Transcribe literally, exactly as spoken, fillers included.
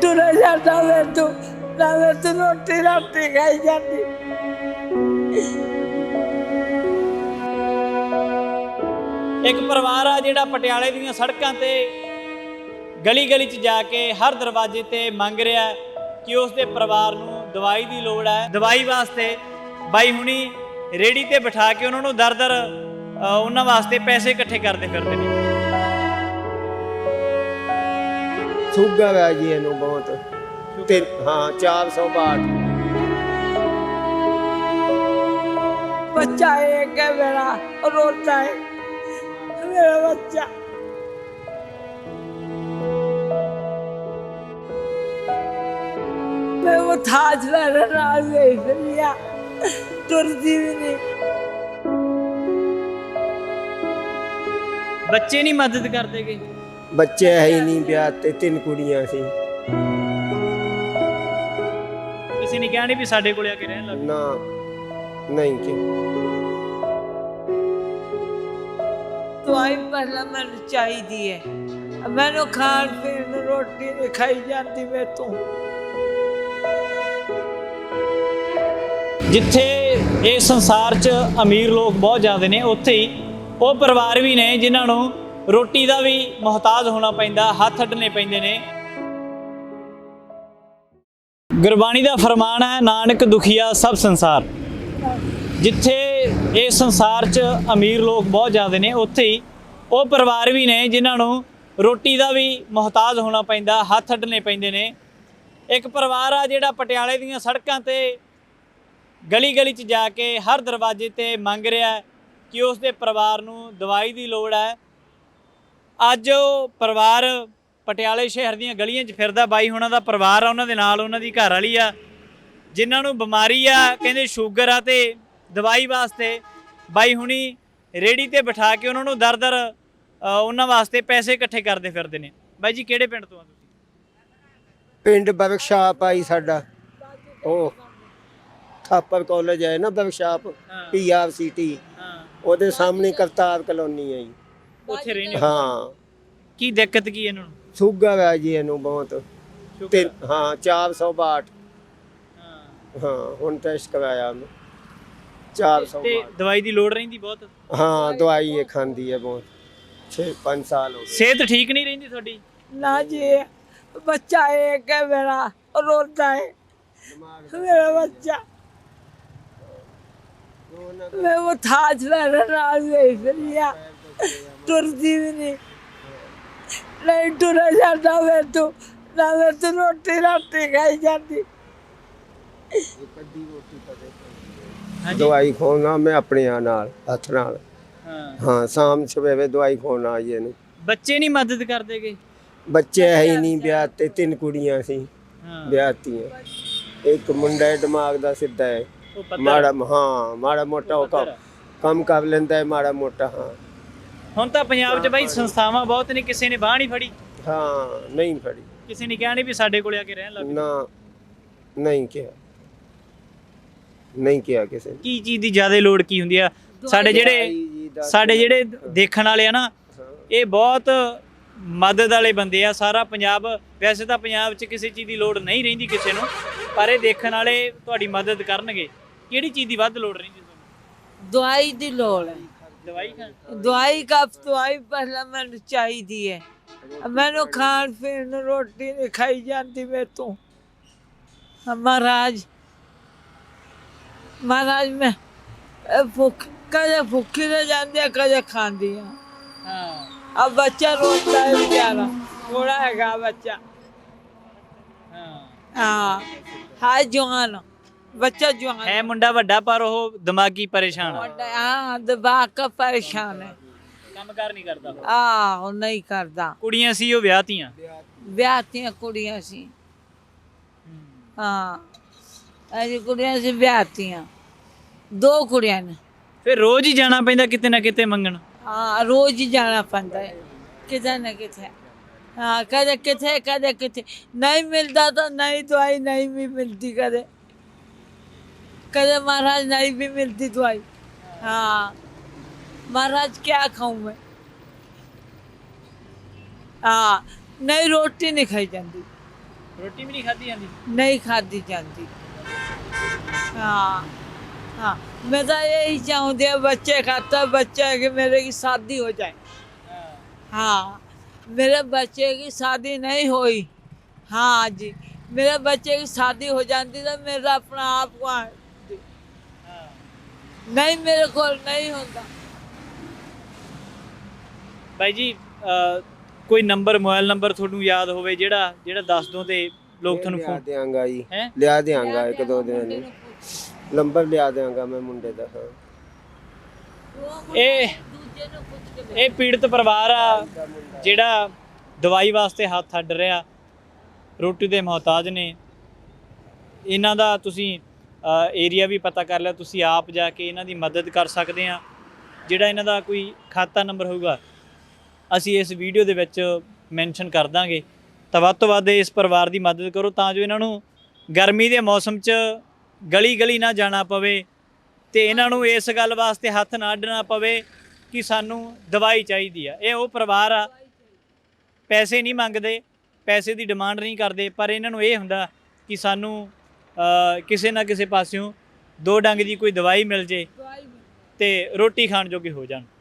ਤੁਰੇ ਜਾਂਦਾ ਵੇ ਤੂੰ ਨਾ ਵੇ ਤੂੰ ਰੋਟੀ ਰਾਤੀ ਖਾਈ ਜਾਂਦੀ। ਇੱਕ ਪਰਿਵਾਰ ਆ ਜਿਹੜਾ ਪਟਿਆਲੇ ਦੀਆਂ ਸੜਕਾਂ ਤੇ ਗਲੀ ਗਲੀ 'ਚ ਜਾ ਕੇ ਹਰ ਦਰਵਾਜ਼ੇ ਤੇ ਮੰਗ ਰਿਹਾ ਕਿ ਉਸ ਦੇ ਪਰਿਵਾਰ ਨੂੰ ਦਵਾਈ ਦੀ ਲੋੜ ਹੈ। ਦਵਾਈ ਵਾਸਤੇ ਬਾਈ ਹੁਣੀ ਰੇੜੀ ਤੇ ਬਿਠਾ ਕੇ ਉਹਨਾਂ ਨੂੰ ਦਰ ਦਰ ਉਹਨਾਂ ਵਾਸਤੇ ਪੈਸੇ ਇਕੱਠੇ ਕਰਦੇ ਫਿਰਦੇ ਨੇ। ਸ਼ੂਗਰ ਹੈ ਜੀ ਇਹਨੂੰ ਬਹੁਤ ਤੇ ਹਾਂ ਚਾਰ ਸੌ ਬਾਹਠ। बच्चा एक है मेरा रोता है मेरा बच्चा। मैं वो थाज मेरे नाल देख लिया तुरती भी नहीं। ਬੱਚੇ ਨਹੀਂ ਮਦਦ ਕਰਦੇਗੇ। ਬੱਚੇ ਹੈ ਹੀ ਨਹੀਂ ਵਿਆਹ ਤੇ ਤਿੰਨ ਕੁੜੀਆਂ ਸੀ। ਕਿਸੇ ਨੇ ਕਿਹਾ ਨਹੀਂ ਵੀ ਸਾਡੇ ਕੋਲੇ ਆ ਕੇ ਰਹਿਣ ਲੱਗ। ਨਾ ਨਹੀਂ ਕਿ ਦਵਾਈ ਪਹਿਲਾਂ ਮੈਨੂੰ ਚਾਹੀਦੀ ਹੈ। ਮੈਨੂੰ ਖਾਣ ਪੀਣ ਨੂੰ ਰੋਟੀ ਨਹੀਂ ਖਾਈ ਜਾਂਦੀ ਮੇਰੇ ਤੋਂ। ਜਿੱਥੇ ਇਸ ਸੰਸਾਰ 'ਚ ਅਮੀਰ ਲੋਕ ਬਹੁਤ ਜ਼ਿਆਦਾ ਨੇ, ਉੱਥੇ ਹੀ ਉਹ ਪਰਿਵਾਰ ਵੀ ਨੇ ਜਿਨ੍ਹਾਂ ਨੂੰ ਰੋਟੀ ਦਾ ਵੀ ਮੁਹਤਾਜ ਹੋਣਾ ਪੈਂਦਾ, ਹੱਥ ਅੱਡਣੇ ਪੈਂਦੇ ਨੇ। ਗੁਰਬਾਣੀ ਦਾ ਫਰਮਾਨ ਹੈ, ਨਾਨਕ ਦੁਖੀਆ ਸਭ ਸੰਸਾਰ। ਜਿੱਥੇ ਇਸ ਸੰਸਾਰ 'ਚ ਅਮੀਰ ਲੋਕ ਬਹੁਤ ਜ਼ਿਆਦਾ ਨੇ, ਉੱਥੇ ਹੀ ਉਹ ਪਰਿਵਾਰ ਵੀ ਨੇ ਜਿਨ੍ਹਾਂ ਨੂੰ ਰੋਟੀ ਦਾ ਵੀ ਮੁਹਤਾਜ ਹੋਣਾ ਪੈਂਦਾ, ਹੱਥ ਅੱਡਣੇ ਪੈਂਦੇ ਨੇ। ਇੱਕ ਪਰਿਵਾਰ ਆ ਜਿਹੜਾ ਪਟਿਆਲੇ ਦੀਆਂ ਸੜਕਾਂ ਤੇ ਗਲੀ ਗਲੀ 'ਚ ਜਾ ਕੇ ਹਰ ਦਰਵਾਜ਼ੇ ਤੇ ਮੰਗ ਰਿਹਾ ਕਿ ਉਸ ਦੇ ਪਰਿਵਾਰ ਨੂੰ ਦਵਾਈ ਦੀ ਲੋੜ ਹੈ। ਅੱਜ ਉਹ ਪਰਿਵਾਰ ਪਟਿਆਲੇ ਸ਼ਹਿਰ ਦੀਆਂ ਗਲੀਆਂ 'ਚ ਫਿਰਦਾ। ਬਾਈ ਹੁਣਾਂ ਦਾ ਪਰਿਵਾਰ ਆ, ਉਹਨਾਂ ਦੇ ਨਾਲ ਉਹਨਾਂ ਦੀ ਘਰ ਵਾਲੀ ਆ ਜਿਨ੍ਹਾਂ ਨੂੰ ਬਿਮਾਰੀ ਆ, ਕਹਿੰਦੇ ਸ਼ੂਗਰ ਆ, ਤੇ ਦਵਾਈ ਵਾਸਤੇ ਬਾਈ ਹੁਣੀ ਰੇੜੀ ਤੇ ਬਿਠਾ ਕੇ ਉਹਨਾਂ ਨੂੰ ਦਰ ਦਰ ਉਹਨਾਂ ਵਾਸਤੇ ਪੈਸੇ ਇਕੱਠੇ ਕਰਦੇ ਫਿਰਦੇ ਨੇ। ਬਾਈ ਜੀ ਕਿਹੜੇ ਪਿੰਡ ਤੋਂ ਆ ਤੁਸੀਂ? ਪਿੰਡ ਵਰਕਸ਼ਾਪ ਆਈ ਸਾਡਾ, ਉਹ ਥਾਪਰ ਕਾਲਜ ਹੈ ਨਾ workshop, P R C T, ਉਹਦੇ ਸਾਹਮਣੇ ਕਰਤਾਰ ਕਲੋਨੀ ਹੈ ਜੀ। ਉੱਥੇ ਰਹਿੰਦੇ ਹੋ? ਹਾਂ। ਕੀ ਦਿੱਕਤ ਕੀ ਇਹਨਾਂ ਨੂੰ? ਸ਼ੂਗਰ ਹੈ ਜੀ ਇਹਨੂੰ ਬਹੁਤ ਤੇ ਹਾਂ ਚਾਰ ਸੌ ਬਾਹਠ। ਹਾਂ ਹੁਣ ਟੈਸਟ ਕਰਵਾਇਆ ਉਹਨੂੰ ਚਾਰ ਸੌ ਤੇ ਦਵਾਈ ਦੀ ਲੋੜ ਰਹਿੰਦੀ ਬਹੁਤ? ਹਾਂ ਦਵਾਈ ਇਹ ਖਾਂਦੀ ਹੈ ਬਹੁਤ, ਛੇ ਪੰਜ ਸਾਲ ਹੋ ਗਏ। ਸਿਹਤ ਠੀਕ ਨਹੀਂ ਰਹਿੰਦੀ ਤੁਹਾਡੀ? ना जी बच्चा एक है मेरा रोता है मेरा बच्चा। मैं वो थाज मेरे नाल देख लिया तुरती भी नहीं नहीं तुरे जाता मैं तू ना मैं तू रोटी राती खाई जाती। ਦਵਾਈ ਖਵਾਉਣਾ ਮੈਂ ਆਪਣੇ ਆ ਨਾਲ ਹੱਥ ਨਾਲ। ਹਾਂ ਹਾਂ ਸ਼ਾਮ ਸਵੇਰੇ ਦਵਾਈ ਖਵਾਉਣਾ ਜੀ ਇਹਨੂੰ। ਬੱਚੇ ਨਹੀਂ ਮਦਦ ਕਰਦੇਗੇ? ਬੱਚੇ ਹੈ ਹੀ ਨਹੀਂ ਵਿਆਹ ਤੇ ਤਿੰਨ ਕੁੜੀਆਂ ਸੀ ਹਾਂ ਵਿਆਹਤੀਆਂ। ਇੱਕ ਮੁੰਡਾ ਹੈ ਦਿਮਾਗ ਦਾ ਸਿੱਧਾ ਹੈ, ਉਹ ਪਤਾ ਮਾੜਾ ਹਾਂ ਮਾੜਾ ਮੋਟਾ ਉਹ ਕੰਮ ਪੱਧਰ। ਕੰਮ ਕਰ ਲੈਂਦਾ ਹੈ ਮਾੜਾ ਮੋਟਾ। ਹਾਂ ਹੁਣ ਤਾਂ ਪੰਜਾਬ 'ਚ ਬਾਈ ਸੰਸਥਾਵਾਂ ਬਹੁਤ ਨੇ, ਕਿਸੇ ਨੇ ਬਾਂਹ ਨਹੀਂ ਫੜੀ? ਹਾਂ ਨਹੀਂ ਫੜੀ। ਕਿਸੇ ਨੇ ਕਿਹਾ ਨਹੀਂ ਵੀ ਸਾਡੇ ਕੋਲੇ ਆ ਕੇ ਰਹਿਣ ਲੱਗ। ਨਾ ਨਹੀਂ ਕਿਹਾ, ਨਹੀਂ ਕਿਹਾ ਕਿਸੇ ਨੇ। ਕੀ ਚੀਜ਼ ਦੀ ਜ਼ਿਆਦਾ ਲੋੜ ਕੀ ਹੁੰਦੀ ਆ? ਸਾਡੇ ਜਿਹੜੇ ਸਾਡੇ ਜਿਹੜੇ ਦੇਖਣ ਵਾਲੇ ਆ ਨਾ, ਇਹ ਬਹੁਤ ਮਦਦ ਵਾਲੇ ਬੰਦੇ ਆ। ਸਾਰਾ ਪੰਜਾਬ, ਵੈਸੇ ਤਾਂ ਪੰਜਾਬ 'ਚ ਕਿਸੇ ਚੀਜ਼ ਦੀ ਲੋੜ ਨਹੀਂ ਰਹਿੰਦੀ ਕਿਸੇ ਨੂੰ, ਪਰ ਇਹ ਦੇਖਣ ਵਾਲੇ ਤੁਹਾਡੀ ਮਦਦ ਕਰਨਗੇ। ਕਿਹੜੀ ਚੀਜ਼ ਦੀ ਵੱਧ ਲੋੜ ਰਹਿੰਦੀ ਤੁਹਾਨੂੰ? दवाई दी लोड़ है। ਦਵਾਈ ਖਾਣ? दवाई का दवाई पहला मैंने चाहिए है। मैंने खान पीन ਨੂੰ रोटी नहीं खाई जाती मेरे तो। महाराज महाराज मैं भुख कदे भुखी रह जाती है कदे खाती है। ਹਾਂ अब बच्चा रोता है बेचारा, थोड़ा हैगा बच्चा। ਹਾਂ हाँ हाय जवान बच्चा जवान ਹੈ ਮੁੰਡਾ ਵੱਡਾ, ਪਰ ਉਹ ਦਿਮਾਗੀ ਪਰੇਸ਼ਾਨ ਆ, हाँ दिमाग का परेशान है। ਕੰਮ ਕਾਰ ਨਹੀਂ ਕਰਦਾ। आहो नहीं करता। ਕੁੜੀਆਂ ਸੀ ਉਹ ਵਿਆਹਤੀਆਂ? ਵਿਆਹਤੀਆਂ ਕੁੜੀਆਂ ਸੀ। ਹਾਂ ਅਜੀ ਕੁੜੀਆਂ ਸੀ ਵਿਆਹਤੀਆਂ, ਦੋ ਕੁੜੀਆਂ ਨੇ। ਫਿਰ ਰੋਜ਼ ਹੀ ਜਾਣਾ ਪੈਂਦਾ ਕਿਤੇ ਨਾ ਕਿਤੇ ਮੰਗਣ? ਹਾਂ ਰੋਜ਼ ਹੀ ਜਾਣਾ ਪੈਂਦਾ ਹੈ ਕਿਤੇ ਨਾ ਕਿਤੇ। ਹਾਂ ਕਦੇ ਕਿਤੇ ਕਦੇ ਕਿਤੇ ਨਹੀਂ ਮਿਲਦਾ ਤਾਂ ਨਹੀਂ ਦਵਾਈ ਨਹੀਂ ਵੀ ਮਿਲਦੀ, ਕਦੇ कदे महाराज नहीं भी मिलती दवाई। हाँ महाराज क्या खाऊं मैं। हाँ नहीं रोटी नहीं खाई जाती। ਰੋਟੀ ਵੀ ਨਹੀਂ ਖਾਧੀ ਜਾਂਦੀ? नहीं खाती जाती। हाँ हाँ, मैं तो यही चाहूँगी बच्चे खाता बच्चे कि मेरे की शादी हो जाए। हाँ, मेरे बच्चे की शादी नहीं हुई। हाँ जी, मेरे बच्चे की शादी हो जाती तो मेरा अपना आप को नहीं, मेरे को नहीं होता। ਬਾਈ ਜੀ ਅਹ, ਕੋਈ ਨੰਬਰ ਮੋਬਾਈਲ ਨੰਬਰ ਤੁਹਾਨੂੰ ਯਾਦ ਹੋਵੇ ਜਿਹੜਾ ਜਿਹੜਾ ਦੱਸ ਦੋ ਤੇ ਲੋਕ ਤੁਹਾਨੂੰ ਲਿਆ ਫੋਨ ਦਿਆਂਗਾ ਜੀ, ਹੈ? ਲਿਆ ਦਿਆਂਗਾ ਇੱਕ ਦੋ ਦਿਨਾਂ ਨੂੰ ਨੰਬਰ ਲਿਆ ਦਿਆਂਗਾ ਮੈਂ ਮੁੰਡੇ ਦਾ। ਹਾਂ ਇਹ ਇਹ ਪੀੜਤ ਪਰਿਵਾਰ ਆ ਜਿਹੜਾ ਦਵਾਈ ਵਾਸਤੇ ਹੱਥ ਅੱਡ ਰਿਹਾ, ਰੋਟੀ ਦੇ ਮੁਹਤਾਜ ਨੇ। ਇਹਨਾਂ ਦਾ ਤੁਸੀਂ ਏਰੀਆ ਵੀ ਪਤਾ ਕਰ ਲਿਆ, ਤੁਸੀਂ ਆਪ ਜਾ ਕੇ ਇਹਨਾਂ ਦੀ ਮਦਦ ਕਰ ਸਕਦੇ ਆ। ਜਿਹੜਾ ਇਹਨਾਂ ਦਾ ਕੋਈ ਖਾਤਾ ਨੰਬਰ ਹੋਊਗਾ ਅਸੀਂ ਇਸ ਵੀਡੀਓ ਦੇ ਵਿੱਚ ਮੈਂਸ਼ਨ ਕਰ ਦਾਂਗੇ। ਤਾਂ ਵੱਧ ਤੋਂ ਵੱਧ ਇਸ ਪਰਿਵਾਰ ਦੀ ਮਦਦ ਕਰੋ ਤਾਂ ਜੋ ਇਹਨਾਂ ਨੂੰ ਗਰਮੀ ਦੇ ਮੌਸਮ 'ਚ ਗਲੀ ਗਲੀ ਨਾ ਜਾਣਾ ਪਵੇ ਤੇ ਇਹਨਾਂ ਨੂੰ ਇਸ ਗੱਲ ਵਾਸਤੇ ਹੱਥ ਨਾ ਅੱਡਣਾ ਪਵੇ ਕਿ ਸਾਨੂੰ ਦਵਾਈ ਚਾਹੀਦੀ ਆ। ਇਹ ਉਹ ਪਰਿਵਾਰ ਆ, ਪੈਸੇ ਨਹੀਂ ਮੰਗਦੇ, ਪੈਸੇ ਦੀ ਡਿਮਾਂਡ ਨਹੀਂ ਕਰਦੇ, ਪਰ ਇਹਨਾਂ ਨੂੰ ਇਹ ਹੁੰਦਾ ਕਿ ਸਾਨੂੰ ਕਿਸੇ ਨਾ ਕਿਸੇ ਪਾਸਿਓਂ ਦੋ ਡੰਗ ਦੀ ਕੋਈ ਦਵਾਈ ਮਿਲ ਜੇ ਤੇ ਰੋਟੀ ਖਾਣ ਜੋਗੇ ਹੋ ਜਾਣ।